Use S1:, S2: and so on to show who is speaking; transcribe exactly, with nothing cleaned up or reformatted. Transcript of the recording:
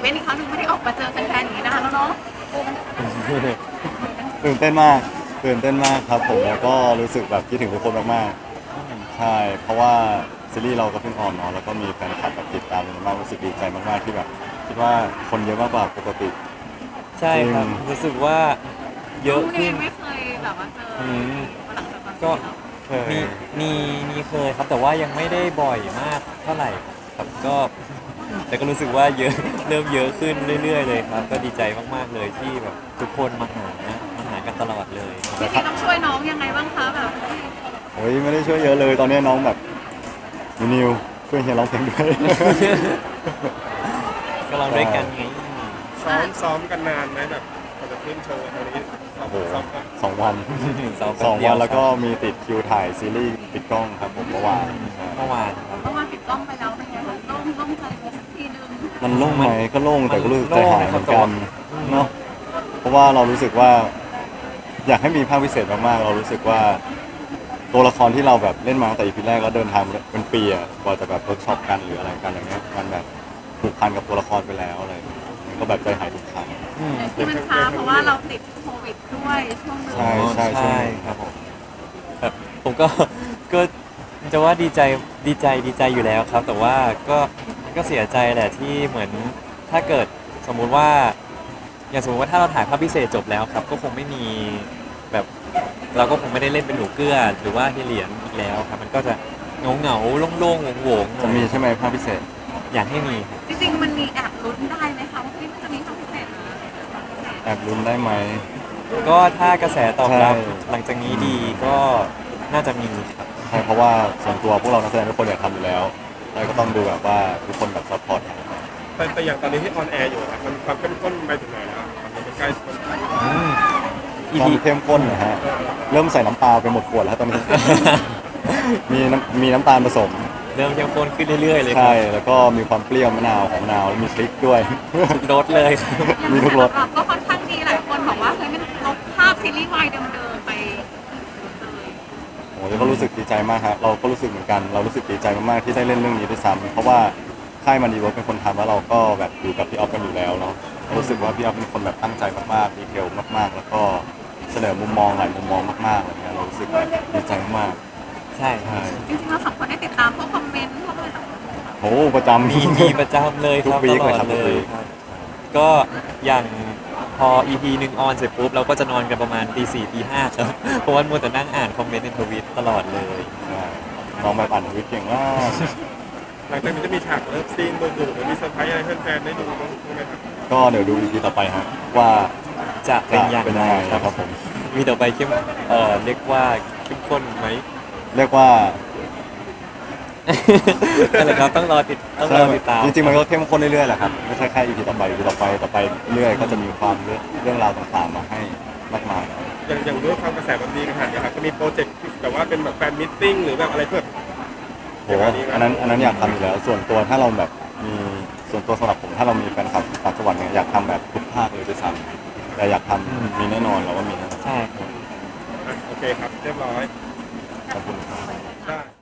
S1: ต้นอีกครั้งหนึ่งไม่ได้ออกมาเจอแฟนๆอย่างนี้นานแล้วเนาะ
S2: ตื่นเต้นมากตื่นเต้นมากครับผมแล้วก็รู้สึกแบบคิดถึงทุกคนมากๆใช่เพราะว่าซีรีส์เราก็เพิ่งออนเนาะแล้วก็มีแฟนคลับแบบติดตามเยอะมากรู้สึกดีใจมากๆที่แบบคิดว่าคนเยอะมากกว่าปกติ
S3: ใช่ครับ
S2: จริง
S3: รู้สึกว่าเยอะ
S1: น้องเอ
S3: ขึ้น
S1: งไม่เคยแบบว่าเจอ
S3: อืม
S1: มาหลังจากตอน
S3: ก็
S1: ที่เรา
S2: เคย
S3: มีมีมีเคยครับแต่ว่ายังไม่ได้บ่อยมากเท่าไหร่ครับก็แต่ก็รู้สึกว่าเยอะ เริ่มเยอะขึ้นเรื่อยๆเลยครับ ก็ดีใจมากๆเลยที่แบบทุกคนมาหามาหากันตลอดเลย
S1: จริงๆต้องช่วยน้องยังไงบ้างคะแบบ
S2: โอ้ยไม่ได้ช่วยเยอะเลยตอนนี้น้องแบบนิวช่วยเฮียร้องเพลงด้วย
S3: ก็ลองด้วยกันไง
S4: ซ้อมซ้อมกันนานไหมแบบก่อนจะขึ้นโชว์ตอนนี้ซ้อม
S2: โอ้โห
S4: ซ้อมกัน
S2: สองวัน
S3: สอง
S2: สอง
S3: เดีย
S2: วั
S3: วน
S2: แล้วก็
S3: ครับ
S2: มีติดคิวถ่ายซีรีส์ปิดกล้องครับผมเมื่อวานใช่
S3: เมื่อวานครับ
S1: เมื่อวานปิดกล้องไปแล้วเป็นไงคะโล่งโล่งใจไปสักทีนึง
S2: มันโล่งไหมก็โล่งแต่ก็รู้สึก
S3: มัน
S2: ใจ
S3: โล่ง
S2: หายเหมือน
S3: ครั
S2: กับ น
S3: อืม
S2: เนาะเพราะว่าเรารู้สึกว่า อยากให้มีภาคพิเศษมากๆเรารู้สึกว่า ตัวละครที่เราแบบเล่นมาตั้งแต่ อี พี แรกแล้วเดินทางเป็นปีอะกว่าจะแบบเวิร์กช็อปกันหรืออะไรกันอย่างเงี้ยมันแบบผูกพันกับตัวละครไปแล้วอะไรมันก็แบบใจหายทุกครั้ง
S3: อืม
S1: ที่มันช้าเพราะว่าเราติดโควิดด้วยช่วงนึง
S2: ใช่ใช่ใช่
S3: ใช่ครับผมแบบผมก็ ก็จะว่าดีใจดีใจดีใจอยู่แล้วครับ แต่ว่าก็ก็เสียใจแหละที่เหมือนถ้าเกิดสมมุติว่า อย่างสมมติว่าถ้าเราถ่ายภาพพิเศษจบแล้วครับ ก็คงไม่มีแบบเราก็คงไม่ได้เล่นเป็นหนูเกื้อหรือว่าเฮยเหลียนอีกแล้วครับ มันก็จะเงาเงาๆโล่งๆโหวงๆหน่
S2: จะ
S3: อย
S2: มีใช่ไหมภาคพิเศษ
S3: อยากให้มีครับ
S1: จริงๆมันมีแอบลุ้นได้ไหมคะว่าเฮ้ยมันจะมีความพิเศษนะความพิเศษ
S2: แอบลุ้นได้ไหม
S3: ก็ถ้ากระแสตอบรับ
S2: ใช่
S3: หลังจากนี้ดีก็น่าจะมีครับ
S2: ใช่เพราะว่าส่วนตัวพวกเรานักแสดงทุกคนอยากทำอยู่แล้วแล้วก็ต้องดูแบบว่าทุกคนแบบซัพพอร์ต
S4: แต่แต่อย่างตอนนี้ที่ออนแอร์อยู่อะมันความเข้มข้นไปถึงไหนแล้วมันเป็นใกล้คน
S3: อืม
S2: ความ
S3: อี พี
S2: เข้มข้นนะฮะ เริ่มใส่น้ำปลาไปหมดขวดแล้วตอนนี้ มีน้ำมีน้ำตาลผสม
S3: เริ่มเข้มข้นขึ้นเรื่อยๆเลยค
S2: ใช่
S3: รับ
S2: แล้วก็มีความเปรี้ยวมะนาวของมะนาวแล้วมีพริกด้วย
S3: ทุกรสเลยครับ
S2: มีทุกรส
S1: ก็ค่อนข้างดีหลายคนบอกว่าเฮ้ยมันลบภาพซีรีส์วายเดิมๆไปเลย
S2: โอ้ยก็รู้สึกดีใจมากครับเราก็รู้สึกเหมือนกัน เรารู้สึกดีใจมากๆที่ได้เล่นเรื่องนี้ด้วยซ้ำเพราะว่าค่ายมันดีเวิร์คเป็นคนทำแล้วเราก็แบบอยู่กับพี่ออฟกันอยู่แล้วเนาะรู้สึกว่าพี่ออฟเป็นคนแบบตั้งใจมากๆดีเทลมากๆ แล้วก็เสนอมุมมองหลายมุมมองมากๆอะไรเงี้ยเรารู้สึกแบบดีใจมาก
S3: ใช่
S2: ๆใช่
S1: จริงๆเราสองคนได้ติดตามพวกคอมเมนต์พวกอะไรต่าง
S2: โอ้ประจำ
S3: มีมีประจำเลยครับ
S2: ทุกวี
S3: ต
S2: ค
S3: ลอด
S2: เลยครับทุ
S3: เล
S2: กวี
S3: ย
S2: ค
S3: ครับ ก็อย่างพอ อี พี หนึ่งออนเสร็จปุ๊บเราก็จะนอนกันประมาณตีสี่ตีห้าครับ เพราะว่ามัวแต่นั่งอ่านคอมเมนต์ในทวิตตลอดเลย
S2: ใช่น้องแบบอ่านทวิตเก่งมาก
S4: หลังจากนี้จะมีฉากเลิฟซีนดุๆหรือมีเซอร์ไพรส์อะไรให้แฟนๆได้ดูบ้างไหมครับ
S2: ก็เดี๋ยวดู อี พี ต่อไปฮะว่า
S3: จะเป็นอย่าง
S2: เป็น
S3: ไร
S2: ยังไง
S3: ครับ
S2: ครับผม
S3: มีต่อไปเข้มเอ่อเรียกว่าเข้มข้นไหม
S2: เรียกว่า
S3: นั่นแหละครับต้องรอติดต้องรอติดตาม
S2: จริงๆมันก็เข้มข้นเรื่อยๆแหละครับไม่ใช่แค่ อี พี ต่อไป อี พี ต่อไปต่อไปเรื่อยๆก็จะมีความเรื่องเรื่องราวต่างๆมาให้มากมาย
S4: อย่างอย่างด้วยความกระแสมันดีขนาดนี้ครับจะมีโปรเจกต์ที่แบบว่าเป็นแบบแฟนมิทติ้งหรือแบบอะไรเพื่อ
S2: โหอันนั้นอันนั้นอยากทำอยู่แล้ว ส่วนตัวถ้าเราแบบมีส่วนตัวสำหรับผมถ้าเรามีแฟนคลับต่างจังหวัดเนี่ยอยากทำแบบทุกภาคเลยด้วยซ้ำแต่อยากทำมีแน่นอนเราว่ามีแน่นอน
S3: ใช่ครับ
S4: อ่ะโอเคครับ เรียบร้อย
S2: ขอบคุณครับ
S4: ได้